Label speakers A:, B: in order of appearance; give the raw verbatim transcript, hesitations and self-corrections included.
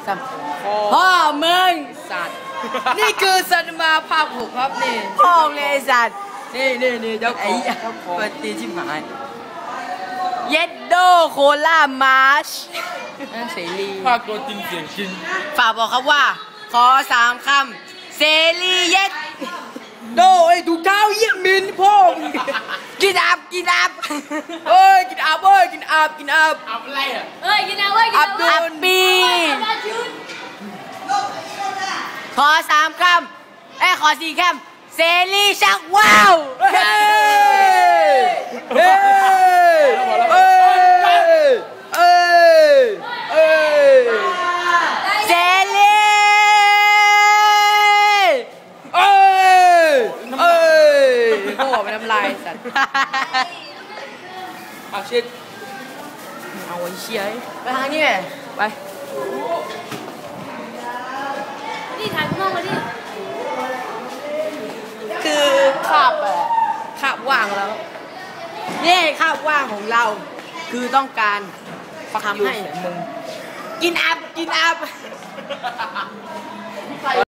A: สามพ่อมึงสัตว์นี่คือสันมาภาคหกครับนี่พ่อเลยสัตว์นี่นี่นี่เจ้าของเจ้าของปฏิชิมหายเย็ดโดโคล่ามาร์ชเสรี
B: ภาคตัวจริงเสียงจริง
A: ฝากบอกครับว่าขอสามคำเสรีเย็ดโดไอ้ถูกเท้าเยี่ยมินพ่อกินอับกินอับเอ้ยกินอับเอ้ยกินอับกินอับ
B: อับอะไรอ่ะ
C: เอ้ยกินอับเอ้ย
A: อับดุลบีขอสามคำเอ้ขอสี่คำเสรีชักว้าวเฮ้เฮ้เฮ้เฮ้เฮ้เสรีเอ้ยเอ้ยโง่ไปน้ำลายสัตว์เอาชิดเอาไอ้เชี่ยไปทางนี้ไป
C: นี่ถ่ายข้างนอกมาดิ
A: คือคาบอะคาบว่างแล้วนี่คาบว่างของเราคือต้องการทำให้มึงกินอับกินอับ